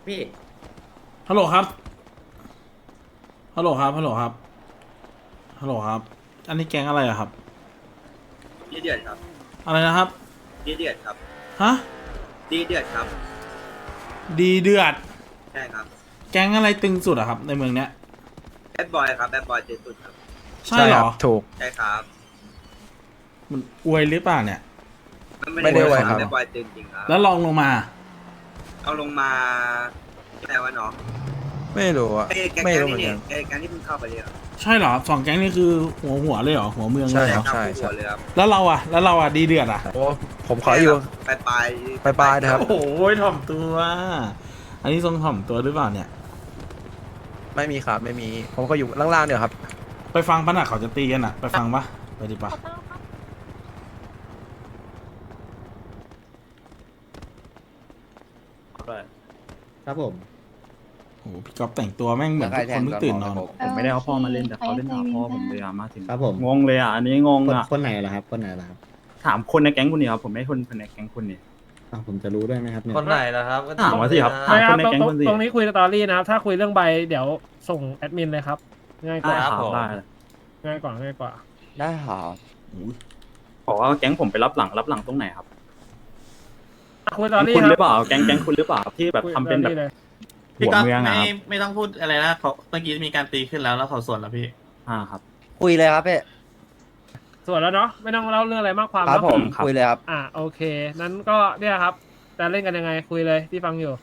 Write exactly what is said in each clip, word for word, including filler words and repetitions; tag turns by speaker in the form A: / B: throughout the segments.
A: พี่
B: ฮัลโหลครับฮัลโหลครับฮัลโหลครับฮัลโหลครับอันนี้แก๊งอะไรอะครับ
A: ดีเดือดครับ
B: อะไรนะครับ
A: ดีเดือดครับ
B: ฮะ
A: ดีเดือดครับ
B: ดีเดือด
A: ใช่ครับ
B: แก๊งอะไรตึงสุดอะครับในเมืองเนี้ย
A: แบดบอยครับแบดบอยเจสุดครับ
B: ใช่เหรอ
C: ถูก
A: ใช่ครับ
B: มันอวยหรือเปล่าเนี่ย
A: มัน
C: ไม่ได้ไว้ครับ
A: แบดบอยจริงจริงครับ
B: แล้วลองลงมา
A: เอาลงมาอะไรวะน้อง
C: ไม่รู้อะ
A: เอ้ยแก๊ง
C: ไม่
A: แก๊ง
C: รู้เหมื
A: นี่
C: อน
A: เนี่
C: กั
A: ย
C: น
A: เอ้ยแก๊งที่เพิ่งเข้าไปเลยเหรอ
B: ใช่เหรอสองแก๊งนี่คือหัวหัวเลยเหรอหัวเมืองเลยเหรอ
C: ใช่
A: ครับผู้หัวเลยครับ
B: แล้วเราอะแล้วเราอะดีเดือดอะ
C: โอ้ผมขออยู่
A: ปลายปลาย
C: ปลายๆนะครับ
B: โอ้โหถ่อมตัวอันนี้ทรงถ่อมตัวหรือเปล่าเนี่ย
C: ไม่มีครับไม่มีผมก็อยู่ล่างๆเดี๋ยวครับ
B: ไปฟังปะน่ะเขาจะตีกันอะไปฟังปะไปดิปะ
D: ครับผม
B: โอ้โหพี่ก๊อฟแต่งตัวแม่งเหมือนทุกคนเพิ่งตื่นนอน
E: ผมไม่ได้เอาพ่อมาเล่นแต่เขาเล่นหาพ่อผมเลยอะมาถึง
D: ครับผม
E: งงเลยอ่ะอันนี้งง
D: คน
E: อ่ะ
D: คนไหนล่ะครับ คนไหนล่ะครับ
E: ถามคนในแก๊งคุณนี่ครับผมไม่ใช่คนในแก๊งคุณนี่
D: อ้าวผมจะรู้ด้วยไหมครับเนี่ย
F: คนไหนล่ะครับก็
E: ถามมาสิครับ
F: ถา
E: ถาม
F: ม
E: คนในแก๊ง
G: ตรง
E: คุณสิ
G: ตรงนี้คุยสตอรี่นะครับ ถ้าคุยเรื่องใบเดี๋ยวส่งแอดมินเลยครับ ง่ายก
E: ได้
G: ว่า
E: ครับได้
G: ง่ายกว่าง่ายกว่า
C: ได้ครับ
E: บอกว่าแก๊งผมไปรับหลังรับหลังตรงไหนครับ
G: อ่ะคุยสตอรี่
E: คุณ
G: ค
E: ห
G: รั
E: รือเปล่าแก๊งแก๊งคุณหรือเปล่าที่แบบ
G: คุย
E: ทำเป็นแบบ
G: สตอรี่เลย
E: หัวเมืองอะครับ
F: ไม่ต้องพูดอะไรนะเขาเมื่อกี้มีการตีขึ้นแล้วแล้วเขาสวนแล้วพี่
E: อ่าครับ
H: คุยเลยครับพี่
G: ส่วนแล้วเนาะไม่ต้องเล่าเรื่องอะไรมากความ
H: ครับ
G: เนาะ
H: ผม
E: ครับ
H: คุยเลยครับ
G: อ่ะโอเค นั้นก็เนี่ยครับจะเล่นกันยังไงคุยเลยที่ฟังอยู่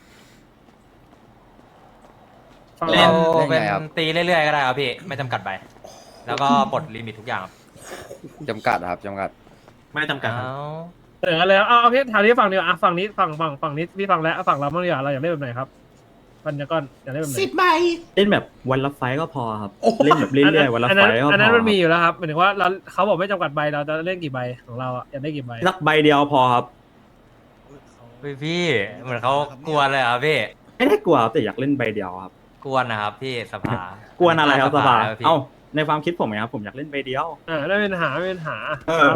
G: ฟัง
F: เล่น
H: เล่น
F: เป็น
H: ไงครับ
F: ตีเรื่อยๆก็ได้ครับพี่ ไม่จำกัดไป แล้วก็ปลดลิมิตทุกอย่างครับ
H: จำกัดครับจำกัด
F: ไม่จำกัดครับ
G: เสนอกันเลยเอาเอาพี่ถามที่ฝั่งเดียวอ่ะฝั่งนี้ฝั่งฝั่งฝั่งนี้พี่ฟังแล้วอ่ะฝั่งเราบ้างดีกว่าเราอยากเล่นแบบไหนครับปัญญาก้อนอยากเล่นแบบไหน
B: สิบใบ
E: เล่นแบบวันละไฟต์ก็พอครับเล่นแบบเรื่อยๆวันละ
G: อัน
E: ไฟ
G: นั้น
E: ต์ก็พอ
G: อันนั้นมันมี
E: ครับ
G: อยู่แล้วครับหมายถึงว่าเราเขาบอกไม่จำกัดใบเราจะเล่นกี่ใบของเราอ่ะอยากได้กี่ใบ
E: สักใบเดียวพอครับ
F: พี่พี่เหมือนเขากวนเลยครับพี่
E: ไม่ได้กลัวครับแต่อยากเล่นใบเดียวครับ
F: กวนนะครับพี่สภาก
E: วนอะไรครับสภา
F: แล้วพี่
E: เอ้าในความคิดผมนะครับผมอยากเล่นใบเดียว
G: อ่าไม่เป็นปัญหาไม่เป็นปัญหา
E: เออ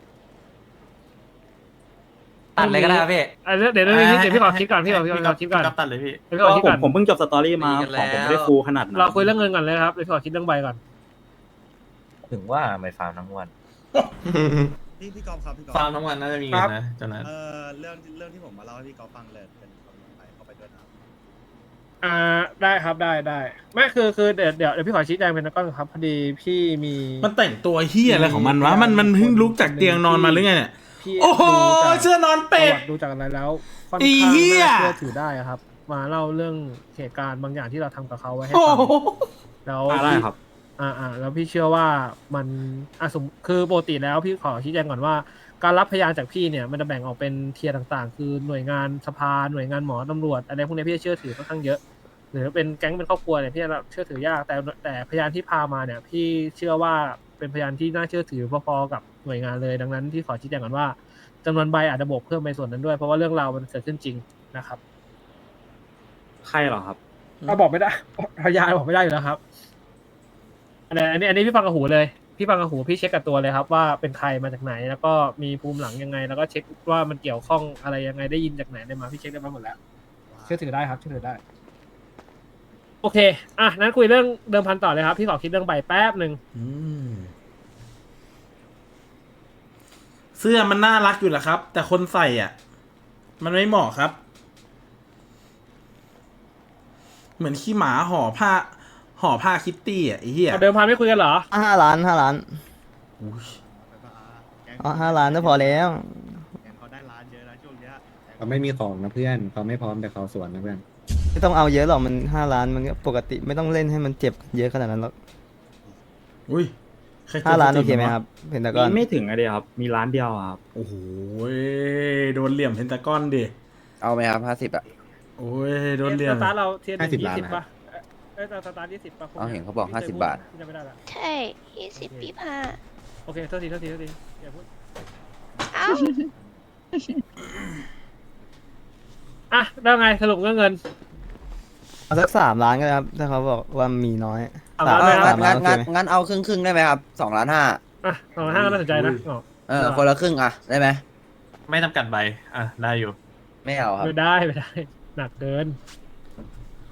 F: ตัดเลยก็ได้ครับพี่
G: อันนี้เดี๋ยวเดี๋ยวเดี๋ยวเดี๋ยวพี่ขอคิดก่อนพี่ขอพี่ขอคิดก่อน
F: ตัดเลยพี่
G: เดี๋ยวพี่ขอคิด
E: ผ
G: ก่
E: ม
G: อน
E: ผมเพิ่งจบสตอรี่มา
F: ตีกัน
E: ของผม
F: แล้ว
E: ไม่ได้ฟูลขนาดนั้น
G: เราคุยเรื่องเงินก่อนเลยครับเดี๋ยวพี่ขอคิดเรื่องใบก่อน
I: ถึงว่าไม่ฟาร์มทั้งวัน
J: พี่พี่กอล์ฟครับพี่กอล์ฟ
F: ฟาร์มทั้งวันน่าจะมีเงินนะจนนั้น
J: เอ่อเรื่องเรื่องที่ผมมาเล่าให้พี่กอล์ฟฟังเลยเป็นความลับไปเข้าไปด้วยนะ
G: อ่าได้ครับได้ได้ไม่คือคือเดี๋ยวเดี๋ยวเดี๋ยวพี่ขอชี้แจงเป็นก้อนครับพอดีพี่มี
B: มันแต่งตัวเฮียอะไรของมันวะมันมันเพิ่งลุกจากเตียงนอนมาหรือไงเนี่ย
G: พี่
B: โอ้โห
G: ดูจาก
B: เสื้อนอนเป็ด
G: ประวัติดูจากอะไรแล้วค่อน
B: ไอ้
G: ข้าง
B: เหี้ย
G: น่าเชื่อถือได้อะครับ มาเล่าเรื่องเหตุการณ์บางอย่างที่เราทำกับเขาไว้ให้
B: โอ้
G: ฟัง
B: โห
G: แล้ว
E: อ่าได้
G: พี่
E: ครับ
G: อ่าอ่าแล้วพี่เชื่อว่ามันอ่ะสมคือปกติแล้วพี่ขอชี้แจงก่อนว่า การรับพยานจากพี่เนี่ยมันจะแบ่งออกเป็นเทียร์ต่างๆ คือหน่วยงานสภาหน่วยงานหมอตำรวจอะไรพวกนี้พี่จะเชื่อถือค่อนข้างเยอะ หรือเป็นแก๊งเป็นครอบครัวเนี่ยพี่จะเชื่อถือยากแต่แต่พยานที่พามาเนี่ยพี่เชื่อว่าเป็นพยานที่น่าเชื่อถือพอๆกับหน่วยงานเลยดังนั้นพี่ขอชี้แจงก่อนว่าจำนวนใบอาจจะบวกเพิ่มไปส่วนนั้นด้วยเพราะว่าเรื่องราวมันเกิดขึ้นจริงนะครับ
E: ใครเหรอครับ
G: ก็บอกไม่ได้พยานบอกไม่ได้อยู่แล้วครับอันนี้อันนี้อันนี้พี่ฟังกับหูเลยพี่ฟังกับหูพี่เช็คกับตัวเลยครับว่าเป็นใครมาจากไหน แล้วก็มีภูมิหลังยังไง แล้วก็เช็คว่ามันเกี่ยวข้องอะไรยังไงได้ยินจากไหนได้มาพี่เช็คได้มาหมดแล้วเชื่อถือได้ครับเชื่อถือได้ โอเค อ่ะ นั้นคุยเรื่องเดิมพันต่อเลยครับ พี่ขอคิดเรื่องใบแป๊บหนึ่ง
B: อืมเสื้อมันน่ารักอยู่แหละครับ แต่คนใส่อ่ะ มันไม่เหมาะครับ เหมือนขี้หมาห่อผ้า ห่อผ้าคิตตี้อ่ะไอ้เหี้ย
G: เอาเดิมพันไม่คุยกันเหรอ
H: ห้าล้านห้าล้าน
B: อุ๊ย
H: อ๋อห้าล้านก็พอแล้ว
J: แกงเขาได้ร้านเยอะนะช่วงเนี้ย
D: เขาไม่มีของนะเพื่อนเขาไม่พร้อมแต่เขาสวนนะเพื่อน
H: ไม่ต้องเอาเยอะหรอกมันห้าล้านมันก็ปกติไม่ต้องเล่นให้มันเจ็บเยอะขนาดนั้นหรอก
B: อุ้ยใครกด
H: ห้าล้าน
B: ส
H: โอ
B: ติ
H: เคไหม
B: วะ
H: ครับเพนตาก
E: มี
H: อน
E: ไม่ถึงอะเดียวครับ มีร้านเดียวอะครับ
B: โอ้โหโดนเหลี่ยมเพนตากอนดิ
H: เอาไหมครับห้าสิบอ่ะ
B: โอ้ยโดนเหลี่ยม
G: สตาร์ทเราเทียร์หนึ่ง
D: ห้าสิบ
G: ยี่
D: ล้าน
G: สิบ
D: นะครับ
G: ป่ะเอ้ยสตาร์ทยี่สิบป่ะ
H: เอาเห็นเขาบอกห้าสิบบาท
G: พี่จำไม่ได้ละ
K: ใช่ยี่สิบปีผ่า
G: โอเคโทษทีโทษทีโทษทีอย่าพูด
K: เอ้า
G: อ่ะได้ไงสรุปเรื่องเงิน
H: เอาสักสามล้านก็ได้ครับถ้าเขาบอกว่ามีน้อย
G: สามล้านเลยครับ
H: สามล้านโอเคไหม
C: งั้นเอาครึ่งครึ่งได้ไหมครับสองล้านห้า
G: อ่ะสองห้าก็น่าสนใจนะอ๋อ
C: เออคนละครึ่งอ่ะได้ไหม
F: ไม่จำกัดใบอ่ะได้อยู่
C: ไม่เอาครับ
G: ไม่ได้ไม่ได้ หนักเกิน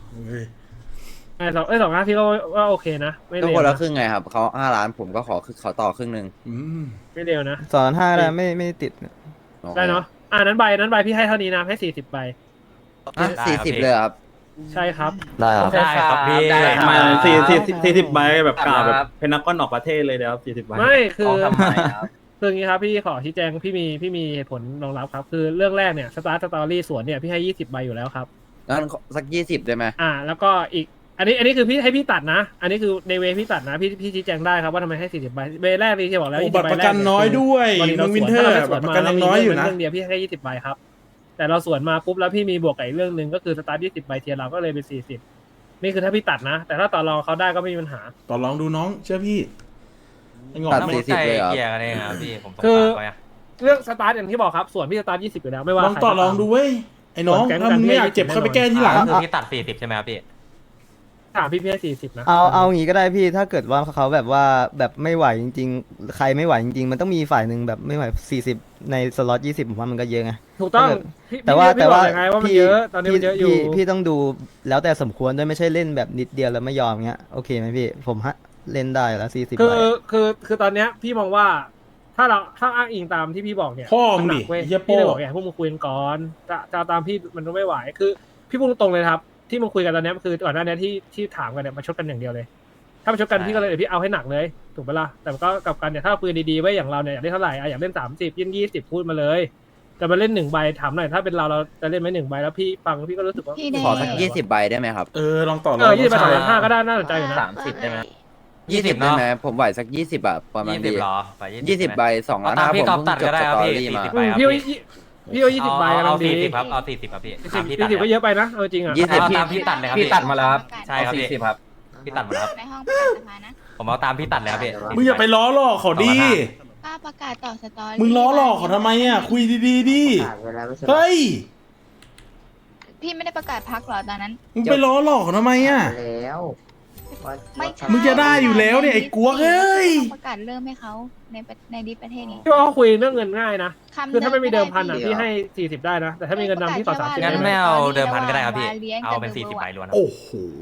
B: เฮ้ย
G: ไอ้สองไอ้สองล้านพี่ก็ว่าโอเคนะไม่
C: ก็
G: เลว
C: คนละ
G: นะ
C: ครึ่งไงครับเขาห้าล้านผมก็ขอขอต่อครึ่งหนึ่ง
B: อืม
G: ไม่เลวนะ
H: สอนห้าแล้วไม่ไม่ติด
G: ได้เนาะอ่านั้นใบนั้นใบพี่ให้เท่านี้นะให้สี่สิบใบ
C: สี่สิบเลยครับ
G: ใช่ครับ
C: ได้ครับ
F: ได้ครับพี่
E: มาสี่สี่สี่สิบใบแบบกล่าวแบบเพนนักก้อนออกประเทศเลยเดี๋ยวสี่สิบใบ
G: ไม่คือ
I: เขาทำไมครับ
G: คืออย่างนี้ครับพี่ขอชี้แจงพี่มีพี่มีเหตุผลรองรับครับ คือเรื่องแรกเนี่ยสตาร์ทสตอรี่สวนเนี่ยพี่ให้ยี่สิบใบอยู่แล้วครับ
C: งั้นสักยี่สิบได้ไหม
G: อ่า แล้วก็อีกอันนี้อันนี้คือพี่ให้พี่ตัดนะ อันนี้คือในเวพี่ตัดนะพี่พี่ชี้แจงได้ครับว่าทำไมให้สี่สิบใบเวแรกพี่จะบอกแล้ว
B: โอ้
G: ยี่สิ
B: บั
G: บ
B: ตร
G: ใบ
B: ประ
G: แร
B: กัน
G: ก
B: น้อยด้วย
G: วันนี้เรา
B: มึง
G: ส
B: วิ
G: วน
B: นเทอ
G: ถ้า
B: ร์
G: เราไม่ส
B: บั
G: ว
B: ต
G: น
B: รประ
G: มา
B: กัน
G: เรา
B: ยัง
G: มี
B: น้อยอยู่
G: เรื่
B: นะ
G: องเดียวพี่ให้ยี่สิบใบครับแต่เราสวนมาปุ๊บแล้วพี่มีบวกกับอีกเรื่องหนึ่งก็คือสตาร์ทยี่สิบใบเทียร์เราก็เลยเป็นสี่สิบนี่คือถ้าพี่ตัดนะ แต่ถ้าต่อรองเขาได้ก็ไม่มีปัญหา
B: ต่อลองดูน้องเชื่อพี่ไอ้งอก
C: ตัด
B: ไม่
C: สี่สิบเลยเหรอ
F: เกียร์กันเองครับพี่ผมสง
G: คือ
F: สารเขาอะ
G: เรื่องสตาร์ทอย่างที่บอกครับส่วนพี่สตาร์ทยี่สิบอยู่แล้วไม่ว่า
B: ลอง
G: ใคร
B: ต่อ
G: ก็
B: ล
G: ตาม
B: องดูเว้ยไอ้น้อง
G: ส่วนแก๊ง
B: ถ้ามึงไม่อยากเจ็บ
G: กัน
B: เข้าไปแก้ที่หลัง
F: ก็คือพี่ตัดสี่สิบใช่ไหมครับพี่
G: ถามพี่พี่ให้สี่สิบนะ
H: เอาเอางี้ก็ได้พี่ถ้าเกิดว่าเขาแบบว่าแบบไม่ไหวจริงๆ ใครไม่ไหวจริงๆ มันต้องมีฝ่ายหนึ่งแบบไม่ไหวสี่สิบในสล็อตยี่สิบผมว่ามันก็เยอะไง
G: ถูกต้อง
H: ถ้าเกิด
G: พี่
H: แต่ว่า
G: พี่
H: แต่ว่า
G: บอกเลยไงว่ามัน
H: พี่
G: เยอะตอนนี้มันเยอะอยู่
H: พี่พี่ต้องดูแล้วแต่สมควรด้วยไม่ใช่เล่นแบบนิดเดียวแล้วไม่ยอมเงี้ยโอเคไหมพี่ผมฮะเล่นได้แล้วสี่สิบ
G: คือ
H: ใบ
G: คือคือตอนเนี้ยพี่มองว่า ถ้าเราถ้าอ้างอิงตามที่พี่บอกเนี่ย
B: พ่อมึง
G: หนั
B: ดิ
G: กเว้ย
B: เฮีย
G: พี่
B: โป้
G: เลยบอกอย่าให้พวกมึงคุยกันก่อนจะจะเอาตามพี่มันไม่ไหวคือพี่พูดตรงๆเลยครับ ที่มึงคุยกันตอนเนี้ยคือก่อนหน้านี้ที่ที่ถามกันเนี่ยมาชดกันอย่างเดียวเลย ถ้ามาชดกันพี่ก็เลยเดี๋ยวพี่เอาให้หนักเลยถูกปะล่ะแต่ก็กลับกันเนี่ยถ้าเราคุยดีๆไว้อย่างเราเนี่ยอยากได้เท่าไหร่อะอยากเล่นสามสิบยี่ยี่สิบพูดมาเลยแต่มาเล่นหนึ่งใบถามหน่อยถ้าเป็นเราเราจะเล่นไหมหนึ่งใบแล้วพี่ฟังพี่ก็รู้สึกว่า
K: พี่แดง
C: ขอสักยี่สิบใบได้ไหมครับ
B: เออลองต่อล
G: เอ
B: อง
G: อยี่สิบใบสองล้านห้าก็ได้น่าสนใจอยู่นะ
I: สามสิบได้ไหม
C: ยี่สิบได้ไหมผมไหวสักยี่สิบอะประมาณ
F: ยี่สิบ
C: ดี
F: เหรอไป
C: ยี่สิบใบสองล้าน
F: เอาตาม
C: ห้า
F: พี่
C: ผม
F: กอล์ฟ
C: เพิ่
F: ตั
C: ง
F: ด
C: จ
F: ก็
C: บ
F: ได้
C: ส
F: ครับ
C: ตอ
F: พี่
C: รี่
F: สี่
C: มา
F: สิบ
G: อื
F: ใบ
G: ม
F: ครับ
G: พี่ว่า
F: พี่
G: พี่ว่ายี่สิบใบกำลั
F: เอา
G: งดี
F: สี่สิบครับเอาสี่สิบครับพี่
G: สี่
F: ตามพี่
G: สิบ
F: ตัด
G: สี่สิบ
F: เลย
G: ก็เยอะไปนะเอาจริงอ่ะ
C: ยี่สิบ
F: เอาตามพี่ตัดเลยครับ
I: พี่
F: พี่
I: ตัดมาแล้วครับ
F: ใช่ครับ
I: สี่
F: พี่
I: สิบครับ
F: พี่ตัดหมดแล้วครับ
K: ในห้องประกาศสภานะ
F: ผมเอาตามพี่ตัดเลยครับพี่
B: มึงอย่าไปล้อหลอกเขาดิ
K: กล้าประกาศต่อสตอรี่
B: มึงล้อหลอกเขาทำไมอ่ะคุยดีๆดิเฮ้ย
K: พี่ไม่ได้ประกาศพักหรอตอนนั้น
B: มึงไปล้อหลอกเขาทำไมอ่ะ
K: ไม่ใช่
B: มึงจะได้อยู่แล้วเนี่ยไอ้กลัวเอ้ย
K: ประกาศเริ่มให้เขาในประในดิประเทศนี้
G: พี่ว่าเขาคุยเรื่องเงินง่ายนะ
K: คำ
G: คือถ้าไม่มีเดิมพันอ่ะ
K: ไ
G: พี่ให้สี่สิบได้นะแต่ถ้ามีเงินนำพี่ต่อสามสิบ
F: งั้น
G: ได้
F: ไม่
G: นะ
F: เอาเดิมพันก็ได้ครับพี่
K: วาเลี้ยง
F: เอาเป็น
K: กับ
F: สี่สิบ
K: เบอร์
F: ใบ
K: ว่ะ
F: ล้วนครับ
B: โอ้โห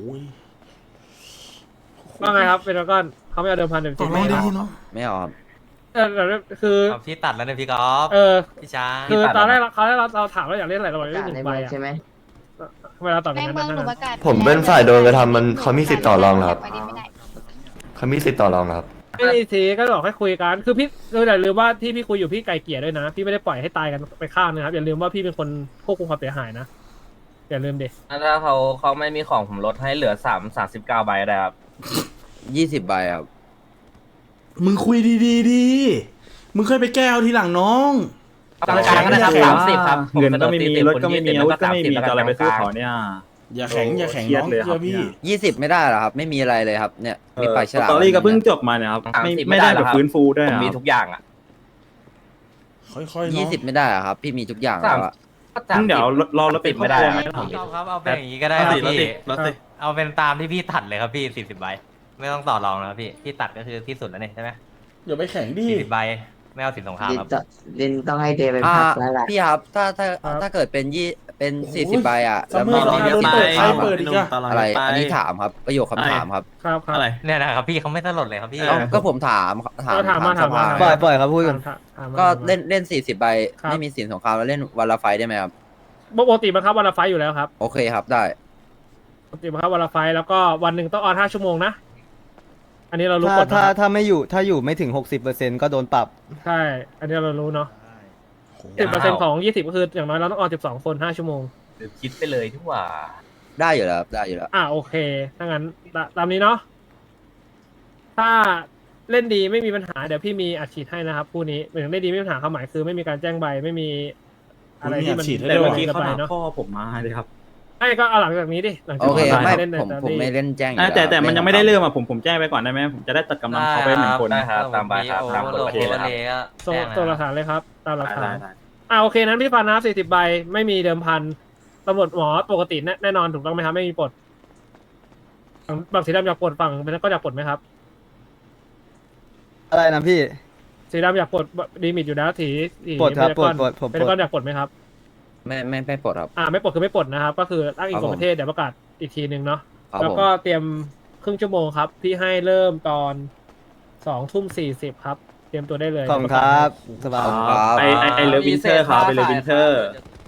G: ว่าไงครับเป็นก้อนเขาไม่เอาเดิมพันเดิม
B: ต่
G: สิ
B: อบ ลอง
G: ไม่
B: ดี
G: เอา
B: เนาะ
C: ไม่เอาครับ
G: เออแต่คือ
F: เอาพี่ตัดแล้วเนี่ยพี่กอล์ฟ
G: เออ
F: พี่ช้าง
G: คือตอนแรกเขาให้เราเราถามว่าอยากเล่นอะไรเราบอกเล่นหนึ่งใบอ่ะทำไมเราตอบอ
K: ใน
G: ย่างนั้น
K: เมืองหนู
G: นะ
K: ประกาศ
L: ผมเป็นฝ่ายโดนกระทำมันเขามีสิทธิ์ต่อรองเหรอครับ
K: ไปดิไม่ได้
L: เขามีสิทธิ์ต่อรองครับ
G: ไม่ได้ทีก็บอกให้คุยกันคือพี่คืออย่าลืมว่าที่พี่คุยอยู่พี่ไกลเกลี่ยด้วยนะพี่ไม่ได้ปล่อยให้ตายกันไปข้างนะครับอย่าลืมว่าพี่เป็นคนควบคุมความเสียหายนะอย่าลืมดิ
I: ถ้าเขาเขาไม่มีของผมลดให้เหลือสามสามสิบเก้าใบได้ครับ
C: ยี่สิบใบครับ
B: มึงคุยดีๆดิมึงเคยไปแก้เอาทีหลังน้อง
I: กลางๆนะครับสามสิบครับ
E: เงินก็ไม่มีรถก็ไม่มีอาวุธก็ไม่มีจะอะไรไปสู้เขาเนี่ย
B: อย่าแข็งอย่าแข็ง
E: เครีย
B: น้
E: ด
B: อง
E: เลยครั
B: เชื่
E: บ
B: อพี่
C: ยี่สิบไม่ได้เหรอครับ ไม่มีอะไรเลยครับเนี่ยมีปลายฉลาม
E: สตอรี่ก็เพิ่งจบมาเนี่ยครับไม่ไม่ได้แบบฟื้นฟูด้วย
I: ผม
E: อะ
I: มีทุกอย่างอ่ะ
B: ค่อยๆ
C: ยี่
B: เนาะ
C: สิบไม่ได้เหรอครับ พี่มีทุกอย่างแล้วอะ
E: เดี๋ยวรอรถติดไม่ได้
F: ไม่ต้องครับเอาเป็นอย่างนี้ก็ได้ครับพี่เอาเป็นตามที่พี่ตัดเลยครับพี่สี่สิบใบไม่ต้องต่อรองแล้วพี่พี่ตัดก็คือที่สุดแล้วนี่ใช่ไหม
B: อย่าไปแข็งดิ
F: สี่สิบใบไม่เอาสินสงครามครับ
L: ลินต้องให้เดย์เป็น
C: อ่า
L: พักแล้วแหละ
C: พี่ครับถ้าถ้าถ้าเกิดเป็นยี่เป็นสี่สิบใบอ่ะ
B: ซั
C: แล้
B: ม
C: ว
B: เมอ
C: ไม่
B: ร์
C: มี
B: โดน
C: สิทธิ์
B: เปิด
C: สงค
B: ใคร
C: ราม
B: เปิดอีกอะ
C: อะไรอันนี้ถามครับประโยคคำถามครับ
G: ครับครับ
F: เนี่ยนะครับพี่เขาไม่สลดเลยครับพี่
C: เอ้าก็ผมถามถาม
G: เราถามมาถามมา
C: สภ
H: ปล่อยปล่อยครับพูดกัน
G: ถามถามมา
C: ก็เล่นเล่นสี่สิบใบ
G: ครับ
C: ไม่มีสินสงครามแล้วเล่นวันละไฟได้ไหมครับ
G: ปกติบังคับวันละไฟล์อยู่แล้วครับ
C: โอเคครับได้
G: ปกติบังคับวันละไฟล์แล้วก็วันหนึ่งต้องออนห้าชั่วโมงนะอันนี้เรารู้
H: ถ้าก
G: ฎ
H: ถ้า
G: นะครับ
H: ถ้าไม่อยู่ถ้าอยู่ไม่ถึงหกสิบเปอร์เซ็นต์ก็โดนปรับ
G: ใช่ อันนี้เรารู้เนาะ
J: ได้
G: สิบเปอร์เซ็นต์ของยี่สิบก็คืออย่างน้อยเราต้องออนสิบสองคนห้าชั่วโมง
I: หรือคิดไปเลยที่ว่า
C: ได้อยู่แล้วครับได้อยู่แล้ว
G: อ่าโอเคถ้างั้นตาตามนี้เนาะถ้าเล่นดีไม่มีปัญหาเดี๋ยวพี่มีอัดฉีดให้นะครับคู่นี้หมายถึงเล่นดีไม่มีปัญหาความหมายคือไม่มีการแจ้งใบไม่มีอะไรที่มัน
B: มีอัดฉีดให้
E: แต่
B: ด้วย
E: เมื่อกี้เขา
G: ไป
E: หา
G: เนาะ
E: พ่อผมมาเลยครับ
G: ไอ้ก็เอาหลังจากนี้ดิหลังจาก
C: โอเค
G: นี้
C: ไม่
G: เล่นใน
C: ผม
G: ตอน
C: ผม
G: นี้
C: ไม่เล่นแจ้งอยู่
E: อ่ะ
C: แล้ว
E: แต่แต่มันยังไม่ได้เริ่มอ่ะผมผมแจ้งไปก่อนได้ไหมผมจะได้ตัดกำลังเขาไปหนึ่งคน
I: ได้ครับตามใบครับตามกฎ
F: โล
I: ประ
F: โก้
I: เทศนะครับ
F: เลยก็
G: ส่ง
F: แจ้ง
G: ส่งหลัก
F: นะ
G: ฐานเลยครับ ตามหลักฐา
E: ได้
G: น
E: ได้
G: อ่าโอเคนั้นพี่ฟันนะสี่สิบใบไม่มีเดิมพันตำรวจหมอปกติแน่แน่นอนถูกต้องไหมครับไม่มีปลดฝั่งฝั่งสีดำอยากปลดฝั่งเป็นนักก็อยากปลดไหมครับ
H: อะไรนะพี่
G: สีดำอยากปลดดีมิตอยู่แล้วถีถี
H: ปลดครับ
G: เป็นนัก
H: ปลดปลดผม
G: เป็น
H: ปล
G: นั
H: ด
G: กก็อยากปลดไหมครับ
C: ไม่ไม่ไม่ปลดครับ
G: อ่าไม่ปลดคือไม่ปลดนะครับ ก็คืออ้างอิง
C: ครับ
G: กฎประเทศเดี๋ยวประกาศอีกทีหนึ่งเนาะ
C: ครับ
G: แล้ว
C: ผม
G: ก็เตรียมครึ่งชั่วโมงครับ พี่ให้เริ่มตอนสองทุ่มสี่สิบครับ เตรียมตัวได้เลย
H: ขอบคุณครับสบาย
E: ไอไอไอเลิฟวินเทอร์ครับไอเลิฟวินเทอร์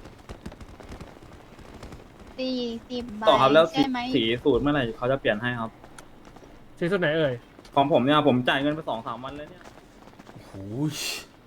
K: สี่สิบใบ
E: ต่อครับแล้วสี
K: ใช่ไหม
E: สีสูตรเมื่อไหร่เขาจะเปลี่ยนให้ครับ
G: ที่สุดไหนเอ่ย
E: ของผมเนี่ยผมจ่ายเงินไปสองสามวันแล้วเนี่ย
B: โอ้ย